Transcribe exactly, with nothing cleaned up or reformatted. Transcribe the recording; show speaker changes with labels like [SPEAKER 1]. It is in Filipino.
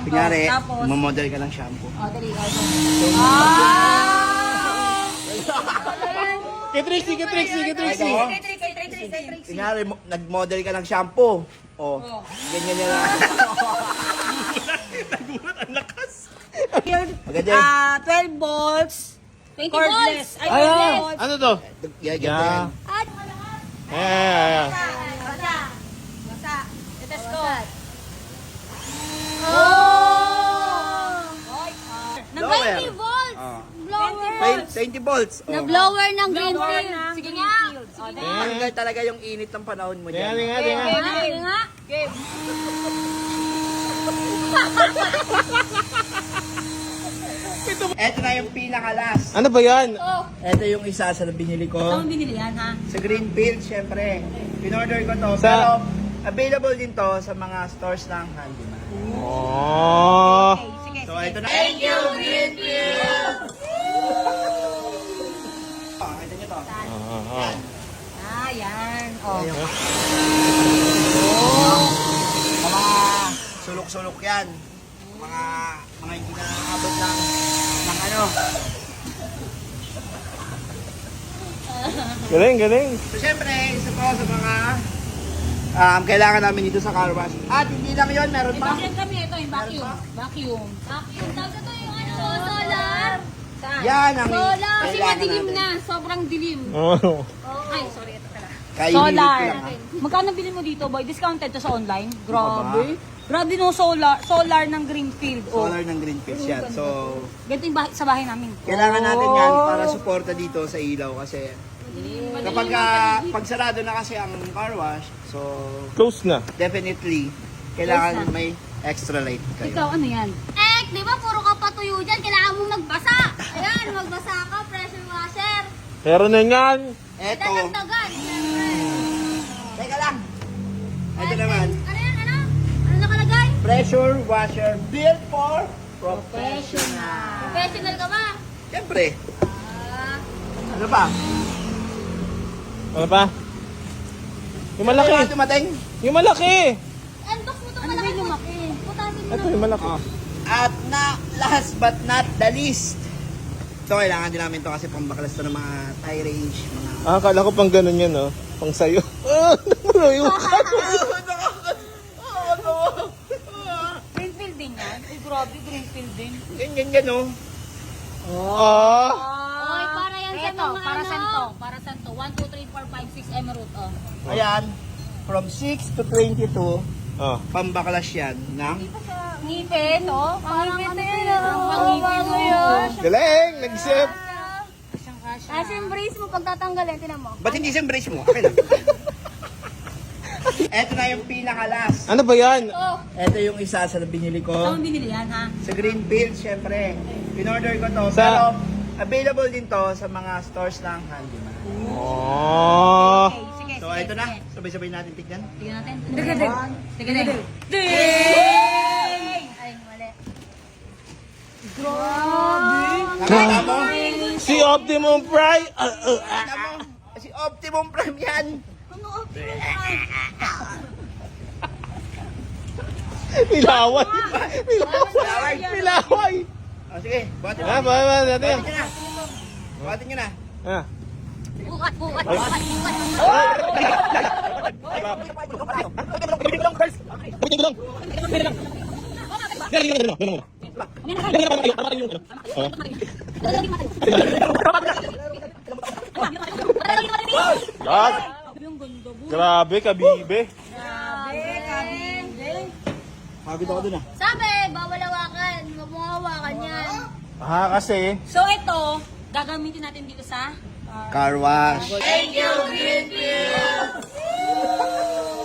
[SPEAKER 1] Kunyari,
[SPEAKER 2] tapos?
[SPEAKER 1] mamodel ka ng shampoo.
[SPEAKER 2] Oh, dali. Ah!
[SPEAKER 3] Kay Trixie, kay Trixie, kay Trixie.
[SPEAKER 1] Ay,
[SPEAKER 2] Kay Trixie, kay Trixie, kay Trixie.
[SPEAKER 1] Kunyari, mo- nag-model ka ng shampoo. Oh,
[SPEAKER 2] Oh.
[SPEAKER 1] ganyan yan lang.
[SPEAKER 3] Nagulat, ang lakas.
[SPEAKER 1] Maganda.
[SPEAKER 2] Ah, twelve volts.
[SPEAKER 4] twenty
[SPEAKER 2] Cordless.
[SPEAKER 4] volts.
[SPEAKER 2] Ay,
[SPEAKER 3] Ay,
[SPEAKER 2] twenty
[SPEAKER 3] ah,
[SPEAKER 2] volts.
[SPEAKER 3] ano to?
[SPEAKER 1] Yeah, ganito
[SPEAKER 3] Yeah.
[SPEAKER 1] yan.
[SPEAKER 4] At malakas.
[SPEAKER 3] Ayan, ayan, ayan.
[SPEAKER 4] Basa.
[SPEAKER 2] Basa. Test ko.
[SPEAKER 4] Oh!
[SPEAKER 2] Nang
[SPEAKER 1] Blower.
[SPEAKER 4] twenty volts.
[SPEAKER 1] Ah.
[SPEAKER 4] Blower.
[SPEAKER 1] twenty volts.
[SPEAKER 4] Na
[SPEAKER 1] Oh.
[SPEAKER 4] blower ng green
[SPEAKER 2] Blower
[SPEAKER 4] field.
[SPEAKER 2] ng
[SPEAKER 4] Sige
[SPEAKER 2] green
[SPEAKER 4] nga.
[SPEAKER 2] field. Oh,
[SPEAKER 4] Sige
[SPEAKER 2] dali.
[SPEAKER 4] nga.
[SPEAKER 1] Tanggal talaga yung init ng panahon mo
[SPEAKER 3] Tingnan,
[SPEAKER 1] dyan.
[SPEAKER 3] tingnan, tingnan.
[SPEAKER 2] Game,
[SPEAKER 4] Sige
[SPEAKER 2] game.
[SPEAKER 4] nga.
[SPEAKER 2] Game.
[SPEAKER 1] Eto na yung pinaka-last.
[SPEAKER 3] Ano ba yan?
[SPEAKER 4] Oh.
[SPEAKER 1] Eto yung isa sa binili ko.
[SPEAKER 2] Saan mo binili yan, ha?
[SPEAKER 1] Sa Greenfield, syempre. Pinorder ko to.
[SPEAKER 3] Sa-
[SPEAKER 1] Pero available din to sa mga stores ng handyman.
[SPEAKER 3] Oh.
[SPEAKER 2] Okay, sige,
[SPEAKER 1] So,
[SPEAKER 2] sige.
[SPEAKER 1] ito na. Thank you, Greenfield! Oh, ito nyo to.
[SPEAKER 3] Ah, ah.
[SPEAKER 2] Ah, yan. Oh.
[SPEAKER 1] Ayun. Sa mga sulok-sulok yan. Mga mga hindi na abot ng, ng ano.
[SPEAKER 3] Galing, galing.
[SPEAKER 1] So, syempre, isa to sa mga um, kailangan namin dito sa car wash. At hindi lang yun, meron
[SPEAKER 2] Ito
[SPEAKER 1] pa.
[SPEAKER 2] yan kami, ito yung vacuum. Vacuum.
[SPEAKER 4] Vacuum. Tapos ito yung ano, solar.
[SPEAKER 2] Saan?
[SPEAKER 1] Yan ang
[SPEAKER 4] Solar.
[SPEAKER 2] Kasi
[SPEAKER 1] kailangan
[SPEAKER 2] madilim
[SPEAKER 1] natin.
[SPEAKER 2] na. Sobrang dilim.
[SPEAKER 3] Oh.
[SPEAKER 2] Ay, sorry, ito pala.
[SPEAKER 1] Kainilit
[SPEAKER 2] Solar.
[SPEAKER 1] ko lang, ha?
[SPEAKER 2] Magkano bilhin mo dito, boy? Discounted to sa online? Grabe. Grabe no, solar. Solar ng Greenfield. Oh.
[SPEAKER 1] Solar ng Greenfield yan. So,
[SPEAKER 2] Ganito yung bahay, sa bahay namin.
[SPEAKER 1] kailangan natin yan
[SPEAKER 2] Oh.
[SPEAKER 1] para suporta dito sa ilaw kasi kapag ah, pag sarado na kasi ang car wash, so
[SPEAKER 3] Close na.
[SPEAKER 1] definitely kailangan may extra light kayo.
[SPEAKER 2] Ikaw, ano yan?
[SPEAKER 4] Eh, di ba puro ka patuyo dyan? Kailangan mong magbasa. Ayan, magbasa ka, pressure washer.
[SPEAKER 3] Pero na yan.
[SPEAKER 1] Eto,
[SPEAKER 4] Dadagdagan, siyempre.
[SPEAKER 1] teka lang. Ito naman,
[SPEAKER 4] Ano yan, ano? Ano nakalagay?
[SPEAKER 1] pressure washer built for professional.
[SPEAKER 4] Professional ka ba?
[SPEAKER 1] Siyempre,
[SPEAKER 4] Ah,
[SPEAKER 1] ano pa?
[SPEAKER 3] Ano pa? Yung malaki.
[SPEAKER 1] Ano dumating?
[SPEAKER 3] Yung malaki.
[SPEAKER 4] unbox mo itong
[SPEAKER 2] Ano ba
[SPEAKER 4] malaki
[SPEAKER 2] yung
[SPEAKER 4] mo.
[SPEAKER 2] lumaki?
[SPEAKER 4] Putasin mo
[SPEAKER 3] Ito
[SPEAKER 4] na.
[SPEAKER 3] yung malaki.
[SPEAKER 1] At na last but not the least, ito kailangan din namin to kasi pambaklas to ng mga tie range, mga
[SPEAKER 3] Ah, akala ko pang ganun yan, oh. Pang sayo. Ah, namalayo ka.
[SPEAKER 2] Greenfield din yan? Uy, grabe, Greenfield din.
[SPEAKER 1] ganyan yan oh.
[SPEAKER 3] Ah.
[SPEAKER 4] Oy, para yan sa
[SPEAKER 2] Ito,
[SPEAKER 4] mga
[SPEAKER 2] para
[SPEAKER 4] ano.
[SPEAKER 2] saan to? Para saan to? one, two, three, four, five, six, emerald, oh.
[SPEAKER 1] Ayan, from six to twenty-two,
[SPEAKER 3] Ah.
[SPEAKER 1] pambaklas yan ng
[SPEAKER 2] Ngipin, oh.
[SPEAKER 4] Parang ano yun,
[SPEAKER 2] Ang
[SPEAKER 4] oh.
[SPEAKER 2] pangipin,
[SPEAKER 4] Bago
[SPEAKER 2] oh.
[SPEAKER 4] yun.
[SPEAKER 3] Galing, nag-sip.
[SPEAKER 2] Kasyang kasya.
[SPEAKER 4] Kasi yung brace mo pag tatanggalin, tinan mo.
[SPEAKER 1] ba't hindi siyang brace mo? Okay lang. Eto na yung pinaka-last.
[SPEAKER 3] Ano ba yan?
[SPEAKER 4] Oh,
[SPEAKER 1] Eto yung isa sa binili
[SPEAKER 2] Saan mo
[SPEAKER 1] ko.
[SPEAKER 2] binili yan, ha?
[SPEAKER 1] Sa Greenfield, syempre. Pinorder ko to.
[SPEAKER 3] Sa-
[SPEAKER 1] Pero available din to sa mga stores ng handyman.
[SPEAKER 3] Oh.
[SPEAKER 2] Okay, sige,
[SPEAKER 1] So,
[SPEAKER 2] sige,
[SPEAKER 1] ito na.
[SPEAKER 2] sige.
[SPEAKER 1] Sabay-sabay natin tignan.
[SPEAKER 2] Tignan natin. Tignan natin. Tignan natin.
[SPEAKER 4] ay, mali.
[SPEAKER 1] Nakita mo?
[SPEAKER 3] Si Optimum Prime. Ah, ah, ah.
[SPEAKER 1] Nakita mo? Si Optimum Prime yan.
[SPEAKER 4] Ano?
[SPEAKER 3] Pilaway. Pilaway. Pilaway.
[SPEAKER 1] O, sige. Buhatin mo.
[SPEAKER 3] Ah, ba, ba, natin.
[SPEAKER 1] Buhatin nyo na. Buhatin nyo na.
[SPEAKER 3] Ah.
[SPEAKER 4] Bukat, bukat, bukat, bukat.
[SPEAKER 3] God. Grabe, kabibe.
[SPEAKER 2] Grabe, kabinde.
[SPEAKER 1] Pagod ako dun ah.
[SPEAKER 4] Sabi, bawal hawakan. Huwag mo hawakan yan.
[SPEAKER 3] Ah, kasi.
[SPEAKER 2] So, ito, gagamitin natin dito sa
[SPEAKER 1] Car wash.
[SPEAKER 4] Thank you, Greenfield!